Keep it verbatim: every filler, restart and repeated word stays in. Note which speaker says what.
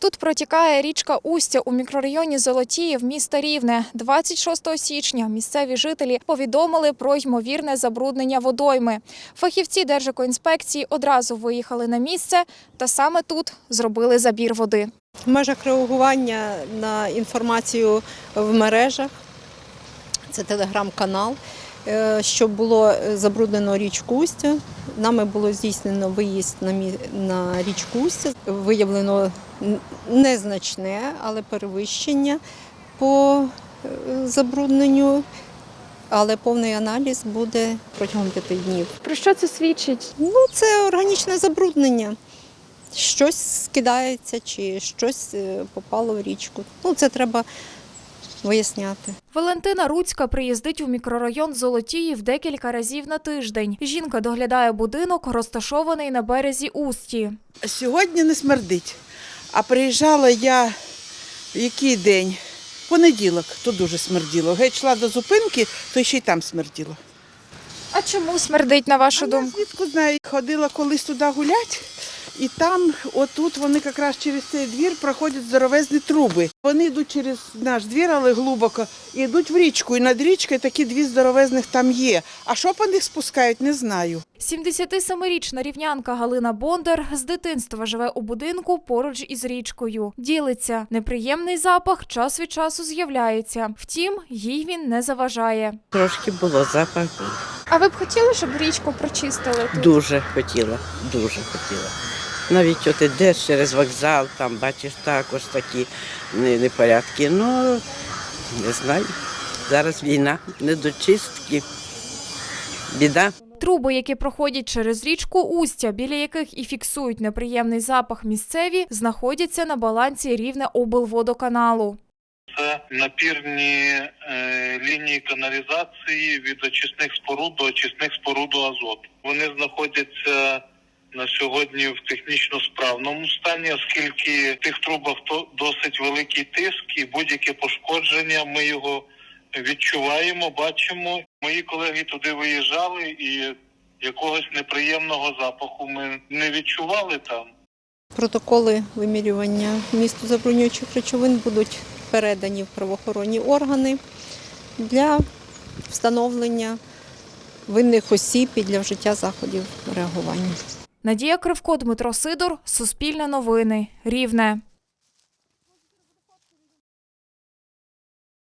Speaker 1: Тут протікає річка Устя у мікрорайоні Золотіїв міста Рівне. двадцять шостого січня місцеві жителі повідомили про ймовірне забруднення водойми. Фахівці Держекоінспекції одразу виїхали на місце та саме тут зробили забір води.
Speaker 2: В межах реагування на інформацію в мережах, це телеграм-канал, що було забруднено річку Устя. Нами було здійснено виїзд на річку Устя. Виявлено незначне, але перевищення по забрудненню, але повний аналіз буде протягом п'яти днів.
Speaker 1: Про що це свідчить?
Speaker 2: Ну, це органічне забруднення. Щось скидається чи щось попало в річку. Ну, це треба виясняти.
Speaker 1: Валентина Руцька приїздить у мікрорайон Золотіїв декілька разів на тиждень. Жінка доглядає будинок, розташований на березі Усті.
Speaker 3: Сьогодні не смердить, а приїжджала я в який день? Понеділок, то дуже смерділо. Геть йшла до зупинки, то ще й там смерділо.
Speaker 1: А чому смердить, на вашу
Speaker 3: А я
Speaker 1: думку?
Speaker 3: звідки знаю, ходила колись туди гуляти, і там, отут, вони якраз через цей двір проходять здоровезні труби. Вони йдуть через наш двір, але глибоко, і йдуть в річку. І над річкою такі дві здоровезних там є. А що по них спускають, не знаю.
Speaker 1: сімдесятисемирічна рівнянка Галина Бондар з дитинства живе у будинку поруч із річкою. Ділиться, неприємний запах час від часу з'являється. Втім, їй він не заважає.
Speaker 4: Трошки було, запах.
Speaker 1: А ви б хотіли, щоб річку прочистили тут?
Speaker 4: Дуже хотіла, дуже хотіла. Навіть от ідеш через вокзал, там бачиш також такі непорядки. Ну, не знаю, зараз війна, недочистки, біда.
Speaker 1: Труби, які проходять через річку Устя, біля яких і фіксують неприємний запах місцеві, знаходяться на балансі Рівнеоблводоканалу.
Speaker 5: Це напірні е, лінії каналізації від очисних споруд до очисних споруд азоту. Вони знаходяться на сьогодні в технічно справному стані, оскільки в тих трубах досить великий тиск і будь-яке пошкодження ми його відчуваємо, бачимо. Мої колеги туди виїжджали і якогось неприємного запаху ми не відчували там.
Speaker 2: Протоколи вимірювання вмісту забруднюючих речовин будуть передані в правоохоронні органи для встановлення винних осіб і для вжиття заходів реагування.
Speaker 1: Надія Кривко, Дмитро Сидор, Суспільне новини, Рівне.